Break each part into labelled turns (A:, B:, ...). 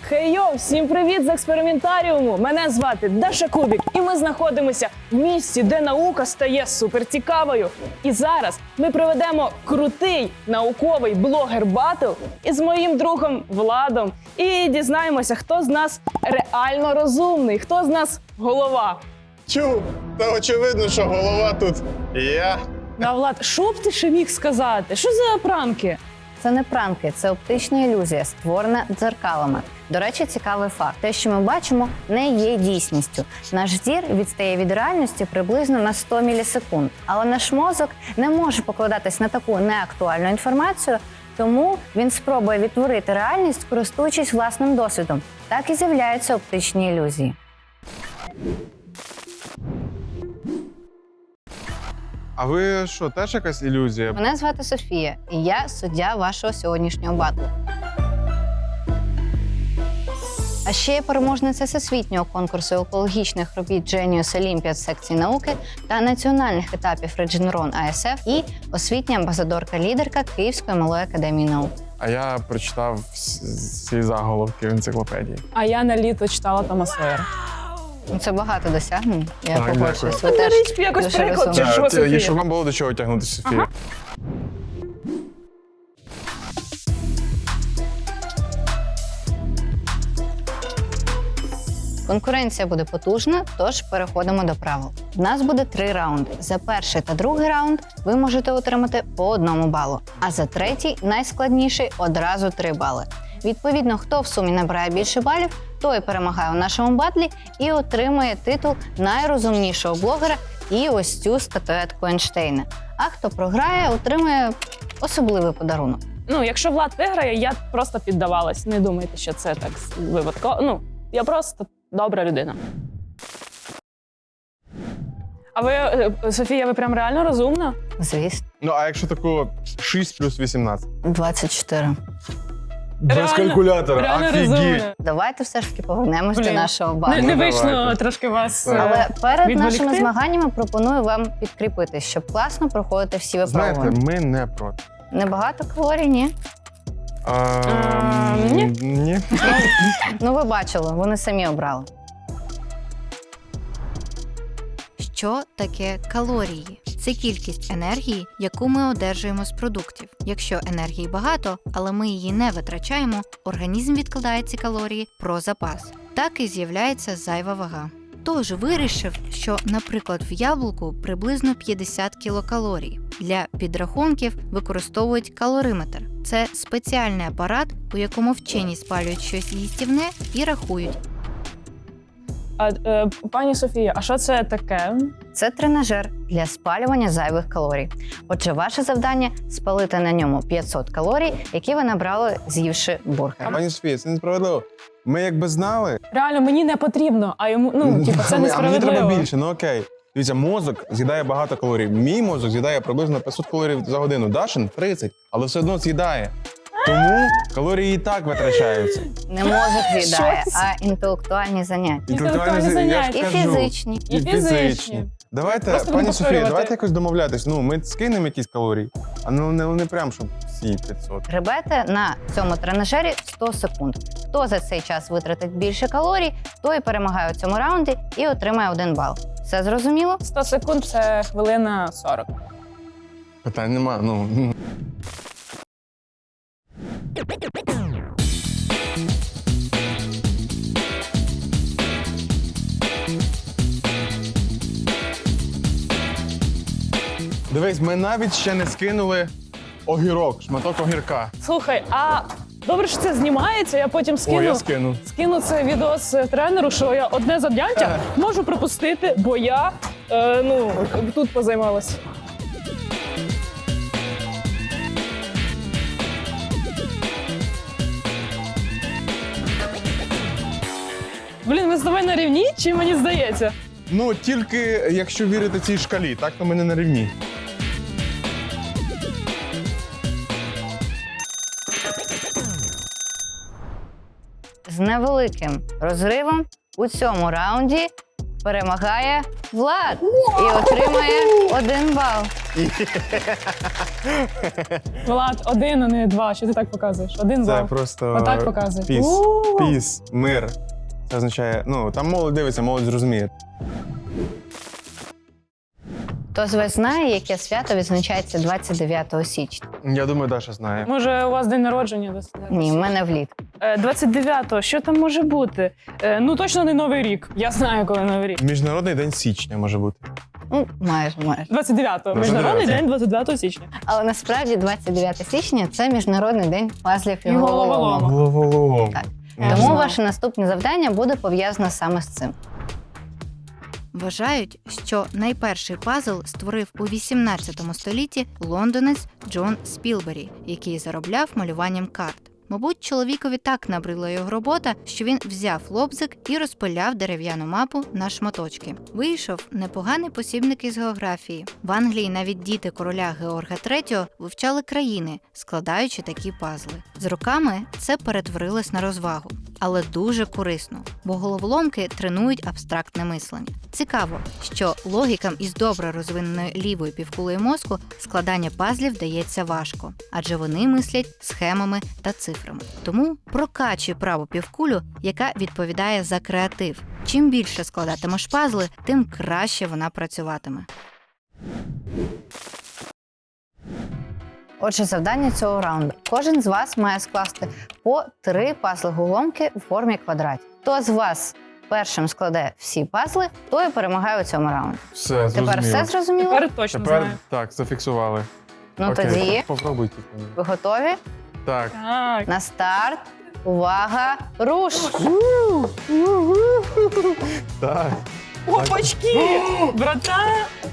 A: Хей-йоу, всім привіт з експериментаріуму! Мене звати Даша Кубік, і ми знаходимося в місці, де наука стає суперцікавою. І зараз ми проведемо крутий науковий блогер-батл із моїм другом Владом. І дізнаємося, хто з нас реально розумний, хто з нас голова.
B: Чу, та очевидно, що голова тут я.
A: Да, Влад, що б ти ще міг сказати? Що за пранки?
C: Це не пранки, це оптична ілюзія, створена дзеркалами. До речі, цікавий факт. Те, що ми бачимо, не є дійсністю. Наш зір відстає від реальності приблизно на 100 мілісекунд. Але наш мозок не може покладатись на таку неактуальну інформацію, тому він спробує відтворити реальність, користуючись власним досвідом. Так і з'являються оптичні ілюзії.
B: А ви що, теж якась ілюзія?
C: Мене звати Софія, і я суддя вашого сьогоднішнього батлу. А ще я переможниця всесвітнього конкурсу екологічних робіт Genius Olympiad секції науки та національних етапів Regeneron ASF і освітня амбасадорка-лідерка Київської малої академії наук.
B: А я прочитав всі заголовки в енциклопедії.
A: А я на літо читала Тома Сойера.
C: Це багато досягнень. Я
B: Так,
C: погоджуюсь. Ви
B: дякую.
C: теж
A: Річ, якось
C: дуже
A: приклад,
C: розумні.
A: чи що, Софія?
B: Щоб вам було до чого тягнутися, Софія.
A: Ага.
C: Конкуренція буде потужна, тож переходимо до правил. В нас буде 3 раунди. За перший та другий раунд ви можете отримати по 1 балу, а за третій, найскладніший, одразу 3 бали. Відповідно, хто в сумі набирає більше балів, той перемагає у нашому батлі і отримує титул найрозумнішого блогера і ось цю статуетку Ейнштейна. А хто програє, отримує особливий подарунок.
A: Ну, якщо Влад виграє, я просто піддавалась. Не думайте, що це так випадково. Ну, я просто добра людина. А ви, Софія, ви прям реально розумна?
C: Звісно.
B: Ну, а якщо таку 6 плюс 18?
C: 24.
B: Без
A: Реально-
B: калькулятора,
A: реально
B: офігеть.
A: розумна.
C: Давайте все ж таки повернемось до
A: Блін.
C: нашого
A: Не,
C: батлу.
A: не
B: Ну,
A: вийшло
B: давайте.
A: трошки вас.
C: Але перед
A: відволікти?
C: нашими змаганнями пропоную вам підкріпитись, щоб класно проходити всі
B: Знаєте,
C: випробування.
B: ми не проти.
C: Небагато калорій, ні?
A: Ні.
B: Ні.
C: Ну, ви бачили, вони самі обрали.
D: Що таке калорії? Це кількість енергії, яку ми одержуємо з продуктів. Якщо енергії багато, але ми її не витрачаємо, організм відкладає ці калорії про запас. Так і з'являється зайва вага. Тож вирішив, що, наприклад, в яблуку приблизно 50 кілокалорій. Для підрахунків використовують калориметр. Це спеціальний апарат, у якому вчені спалюють щось їстівне і рахують.
A: Пані Софія, а що це таке?
C: Це тренажер для спалювання зайвих калорій. Отже, ваше завдання – спалити на ньому 500 калорій, які ви набрали, з'ївши бургер.
B: Пані Софія, це несправедливо. Ми якби знали,
A: Реально, мені не потрібно, а йому, ну, типу, це
B: а мені
A: несправедливо.
B: треба більше, ну окей. Дивіться, мозок з'їдає багато калорій. Мій мозок з'їдає приблизно 500 калорій за годину. Дашин 30, але все одно з'їдає. Тому калорії і так витрачаються.
C: Не мозок з'їдає,
A: Щось.
C: а інтелектуальні заняття.
A: Інтелектуальні
B: я ж
A: заняття.
C: І
B: кажу.
C: фізичні.
A: І фізичні.
B: Давайте,
A: Просто
B: пані
A: будемо
B: Софія,
A: повторювати.
B: давайте якось домовлятись. Ну, ми скинемо якісь калорії, а ну не прям, щоб всі 500.
C: Гребете на цьому тренажері 100 секунд. Хто за цей час витратить більше калорій, той перемагає у цьому раунді і отримає 1 бал. Все зрозуміло?
A: 100 секунд – це хвилина 40.
B: Питань нема, ну. Дивись, ми навіть ще не скинули огірок, шматок огірка.
A: Слухай, а добре, що це знімається, я потім
B: О, я
A: скину.
B: скину.
A: Скину це відос тренеру, що я одне заняття можу пропустити, бо я тут позаймалась. Блін, ми з тобою на рівні, чи мені здається?
B: Ну, тільки якщо вірити цій шкалі, так то ми не на рівні.
C: З невеликим розривом у цьому раунді перемагає Влад і отримає 1 бал.
A: Влад, 1, а не 2. Що ти так показуєш? 1
B: Це
A: бал.
B: просто
A: Отак показує.
B: піс.
A: У.
B: Піс, мир. Це означає, ну, там молодь дивиться, молодь зрозуміє.
C: Хто з вас знає, яке свято відзначається 29 січня?
B: Я думаю, Даша знає.
A: Може, у вас день народження десь?
C: Ні, в мене влітку.
A: 29-го, що там може бути? Ну, точно не Новий рік. Я знаю, коли Новий рік.
B: Міжнародний день січня може бути.
C: Ну, майже.
A: 29-го. Міжнародний день 29 січня.
C: Але насправді 29 січня – це Міжнародний день пазлів і
A: І головоломок.
C: головоломок.
B: Головолом.
C: Так.
A: Я
C: Тому
A: знаю.
C: ваше наступне завдання буде пов'язане саме з цим.
D: Вважають, що найперший пазл створив у 18 столітті лондонець Джон Спілбері, який заробляв малюванням карт. Мабуть, чоловікові так набридла його робота, що він взяв лобзик і розпиляв дерев'яну мапу на шматочки. Вийшов непоганий посібник із географії. В Англії навіть діти короля Георга III вивчали країни, складаючи такі пазли. З роками це перетворилось на розвагу, але дуже корисно, бо головоломки тренують абстрактне мислення. Цікаво, що логікам із добре розвиненою лівою півкулею мозку складання пазлів дається важко, адже вони мислять схемами та цифрами. Тому прокачуй праву півкулю, яка відповідає за креатив. Чим більше складатимеш пазли, тим краще вона працюватиме.
C: Отже, завдання цього раунду. Кожен з вас має скласти по 3 пазли-головоломки у формі квадратів. Хто з вас першим складе всі пазли, той і перемагає у цьому раунді.
B: Все, зрозуміло.
C: Тепер все зрозуміло?
A: Тепер точно
B: Тепер
A: знаю.
B: так, зафіксували.
C: Ну
B: Окей,
C: тоді
B: попробуйте.
C: ви готові?
B: Так.
A: Так.
C: На старт. Увага! Руш!
B: Так.
A: Опачки! Братан!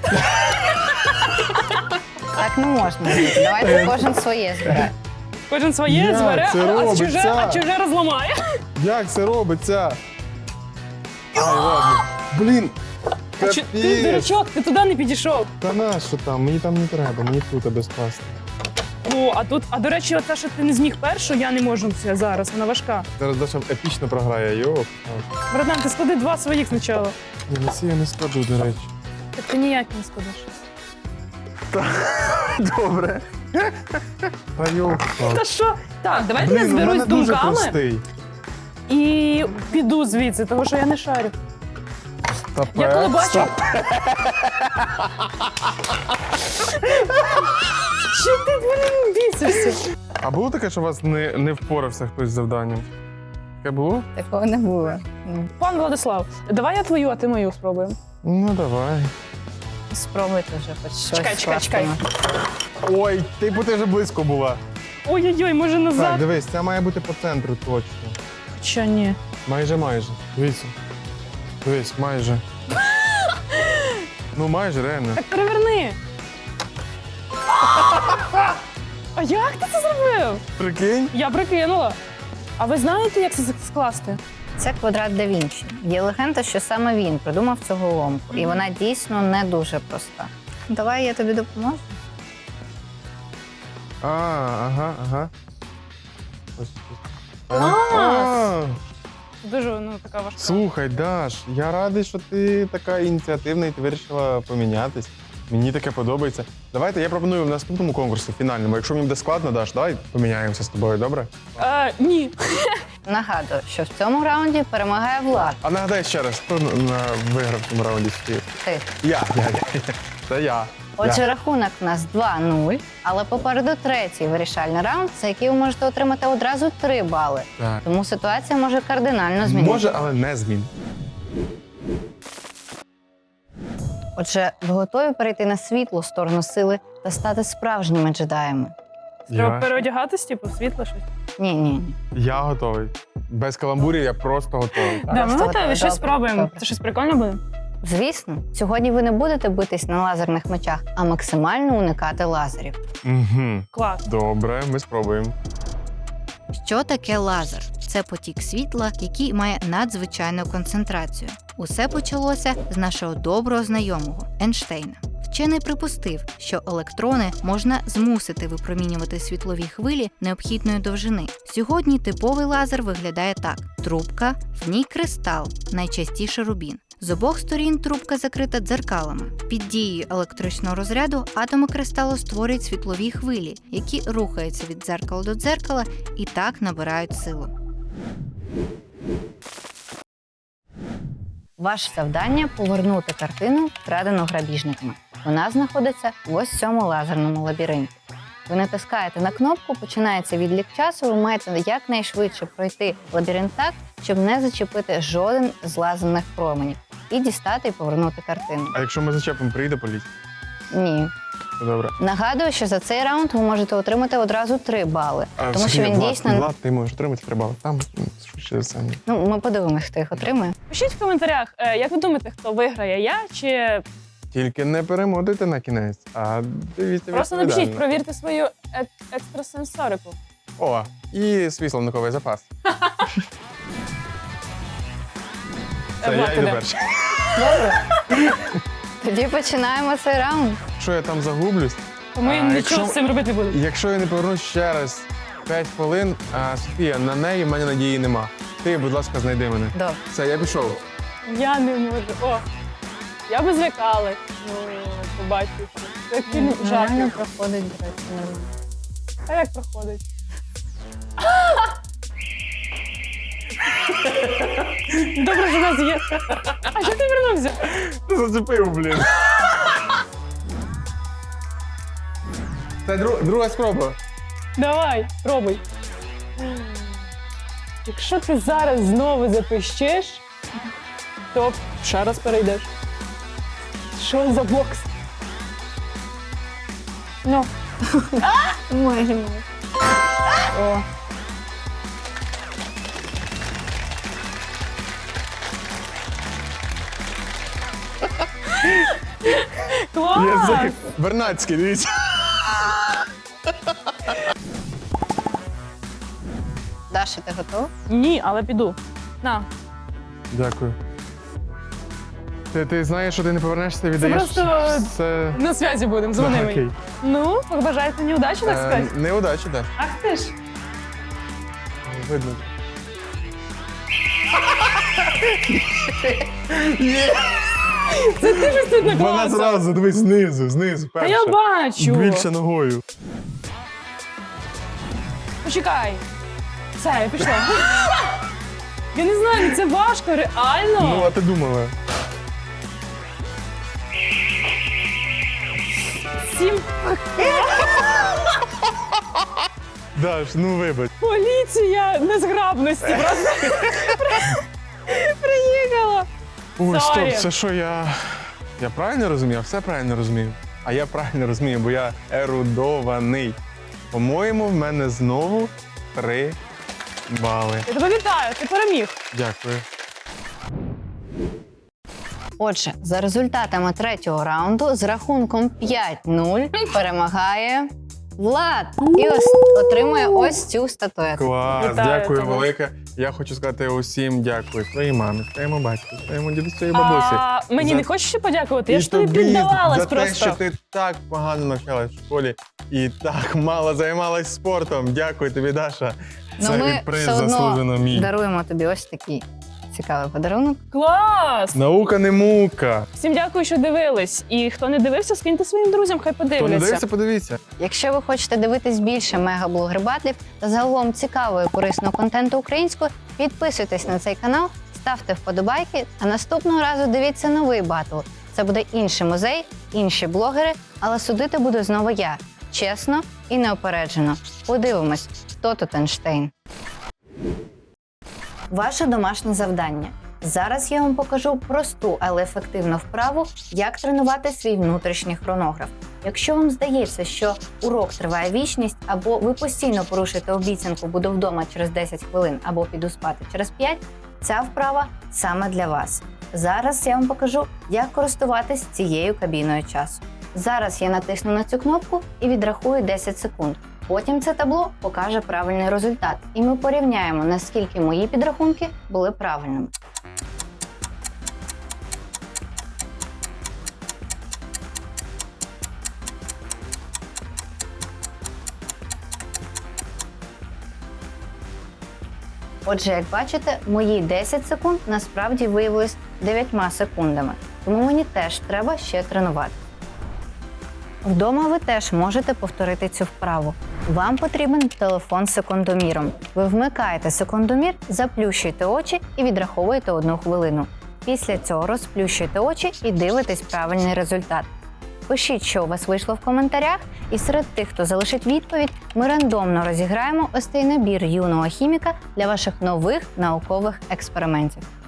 C: Так не можна робити. Давайте кожен своє збирає.
A: Кожен своє
B: Як
A: збере,
B: це робиться?
A: а чуже розламає.
B: Як це робиться? Ай, ладно. Блін.
A: Ти,
B: Капець.
A: дурачок, ти туди не підійшов.
B: Та нащо там? Мені там не треба, мені тут безпечно.
A: О, до речі, оце, що ти не зміг першу, я не можу це зараз, вона важка.
B: Зараз Даша епічно програє, йоп.
A: Братан, ти склади 2 своїх спочатку.
B: Ні, на ці я не складу, до речі.
A: Так ти ніяк не складеш.
B: Добре. Та йоп.
A: Та що? Так, давайте я
B: Блін, у
A: зберусь
B: мене дуже
A: думками
B: простий.
A: і піду звідси, тому що я не шарю. Я коли бачу.
B: Стоп.
A: Що ти, блін, бісишся?
B: А було таке, що у вас не впорався хтось з завданням? Таке було?
C: Такого не було.
A: Пан Владислав, давай я твою, а ти мою спробуємо.
B: Ну, давай.
C: Спробуйте вже хоч щось.
A: Чекай.
C: скласти.
B: Ой, ти вже близько була.
A: Ой-ой-ой, може
B: Так,
A: назад?
B: дивись, це має бути по центру точно.
A: Що ні?
B: Майже. Дивіться. Дивись, майже. Ну, майже, реально.
A: Так переверни. А як ти це зробив?
B: Прикинь?
A: Я прикинула. А ви знаєте, як це скласти?
C: Це квадрат да Вінчі. Є легенда, що саме він придумав цю головоломку. І вона дійсно не дуже проста. Давай я тобі допоможу.
B: Ага. Ось тут.
A: Клас! Дуже така важка.
B: Слухай, Даш, я радий, що ти така ініціативна і ти вирішила помінятись. Мені таке подобається. Давайте я пропоную в наступному конкурсі, фінальному. Якщо мені буде складно, Даш, давай поміняємося з тобою, добре?
A: Ні.
C: Нагадую, що в цьому раунді перемагає Влад.
B: А нагадай ще раз, хто виграв в цьому раунді стів?
C: Ти.
B: Я. Це я.
C: Отже, рахунок у нас 2-0, але попереду третій вирішальний раунд, за який ви можете отримати одразу 3 бали.
B: Так.
C: Тому ситуація може кардинально змінитися.
B: Може, але не змін.
C: Отже, ви готові перейти на світлу сторону сили та стати справжніми джедаями?
A: Треба переодягатись, типу, світло щось.
C: Ні.
B: Я готовий. Без каламбурів я просто готовий.
A: Да, ми
C: Просто
A: готові,
C: готові.
A: щось
C: Добре,
A: спробуємо.
C: добре.
A: Це щось прикольне буде?
C: Звісно, сьогодні ви не будете битись на лазерних мечах, а максимально уникати лазерів.
B: Угу.
A: Клас.
B: Добре, ми спробуємо.
D: Що таке лазер? Це потік світла, який має надзвичайну концентрацію. Усе почалося з нашого доброго знайомого Ейнштейна. Вчений припустив, що електрони можна змусити випромінювати світлові хвилі необхідної довжини. Сьогодні типовий лазер виглядає так: трубка, в ній кристал, найчастіше рубін. З обох сторін трубка закрита дзеркалами. Під дією електричного розряду атоми кристалу створюють світлові хвилі, які рухаються від дзеркала до дзеркала і так набирають силу.
C: Ваше завдання – повернути картину, вкрадену грабіжниками. Вона знаходиться в ось цьому лазерному лабіринті. Ви натискаєте на кнопку, починається відлік часу, ви маєте якнайшвидше пройти лабіринт так, щоб не зачепити жоден з лазерних променів. І дістати і повернути картину.
B: А якщо ми зачепимо, прийде поліція?
C: Ні.
B: Добре.
C: Нагадую, що за цей раунд ви можете отримати одразу 3 бали. Тому що він дійсно...
B: Влад, ти можеш отримати 3 бали. Там швидше за все.
C: Ну, ми подивимось, хто їх отримає.
A: Пишіть в коментарях, як ви думаєте, хто виграє, я чи
B: Тільки не перемотуйте на кінець, а дивіться
A: просто
B: відповідально.
A: напишіть, провірте свою екстрасенсорику.
B: О, і свій словниковий запас. Це
A: Влад,
B: я
A: ти
B: йду
A: де?
B: перший.
C: Тоді починаємо цей раунд.
B: Якщо я там загублюсь,
A: Тому я
B: А,
A: нічого
B: якщо-
A: з цим робити не буду.
B: якщо я не повернусь ще раз 5 хвилин, Софія, на неї в мене надії нема. Ти, будь ласка, знайди мене.
C: Добре.
B: Все, я пішов.
A: Я не можу. О, я би звикала. Ну, побачивши. Це як фільм
C: Нормально
A: жахів.
C: проходить, до речі, нормально.
A: А як проходить? Добре, що в нас є. А що ти вернувся?
B: Ти зацепив, блін. Це друга спроба.
A: Давай, пробуй. Якщо ти зараз знову запищиш, то ще раз перейдеш. Що за бокс? Ну,
C: Майже.
A: о. Клас!
B: Язик. Бернацький, дивіться.
C: Даша, ти готова?
A: Ні, але піду. На.
B: Дякую. Ти знаєш, що ти не повернешся, віддаєш
A: просто-
B: все.
A: На зв'язі будемо, дзвони
B: Да,
A: мені.
B: окей.
A: Ну, побажайте неудачі, так сказати.
B: Неудачі, так.
A: Ах ти ж.
B: Видно.
A: Це ти ж тут
B: Вона
A: наклався.
B: зразу, дивись, знизу,
A: Та
B: перша.
A: я бачу.
B: Більше ногою.
A: Почекай. Все, я пішла. Я не знаю, це важко, реально.
B: Ну, а ти думала?
A: 7.
B: Даш, ну вибач.
A: Поліція незграбності просто приїхала.
B: Ой,
A: Сорі.
B: стоп, це що я. Я правильно розумію? Я все правильно розумію. А я правильно розумію, бо я ерудований. По-моєму, в мене знову 3 бали.
A: Я тебе вітаю, ти переміг.
B: Дякую.
C: Отже, за результатами 3-го раунду з рахунком 5-0 перемагає Влад і отримує ось цю статуетку.
B: Клас,
A: Вітаю
B: дякую
A: тебе.
B: велике. Я хочу сказати усім дякую. Своїй мамі, своєму батьку, своєму дідусю і бабусі.
A: А мені
B: За-
A: не хочеш ще подякувати? Я
B: І
A: ж тобі
B: тобі
A: піддавалась
B: за те,
A: просто.
B: що ти так погано навчалась в школі і так мало займалась спортом. Дякую тобі, Даша. Це
C: ми
B: приз
C: все одно
B: заслужено мій.
C: даруємо тобі ось такий цікавий подарунок.
A: Клас!
B: Наука не мука.
A: Всім дякую, що дивились. І хто не дивився, скиньте своїм друзям, хай
B: Хто не
A: подивляться.
B: дивився, подивіться.
C: Якщо ви хочете дивитись більше мегаблогер-батлів та загалом цікавого і корисного контенту українською, підписуйтесь на цей канал, ставте вподобайки, а наступного разу дивіться новий батл. Це буде інший музей, інші блогери, але судити буду знову я. Чесно і неопереджено. Подивимось, хто тут Ейнштейн. Ваше домашнє завдання. Зараз я вам покажу просту, але ефективну вправу, як тренувати свій внутрішній хронограф. Якщо вам здається, що урок триває вічність, або ви постійно порушуєте обіцянку «буду вдома через 10 хвилин» або «піду спати через 5», ця вправа саме для вас. Зараз я вам покажу, як користуватись цією кабіною часу. Зараз я натисну на цю кнопку і відрахую 10 секунд. Потім це табло покаже правильний результат, і ми порівняємо, наскільки мої підрахунки були правильними. Отже, як бачите, мої 10 секунд насправді виявились 9 секундами, тому мені теж треба ще тренувати. Вдома ви теж можете повторити цю вправу. Вам потрібен телефон з секундоміром. Ви вмикаєте секундомір, заплющуєте очі і відраховуєте 1 хвилину. Після цього розплющуєте очі і дивитесь правильний результат. Пишіть, що у вас вийшло в коментарях, і серед тих, хто залишить відповідь, ми рандомно розіграємо ось цей набір юного хіміка для ваших нових наукових експериментів.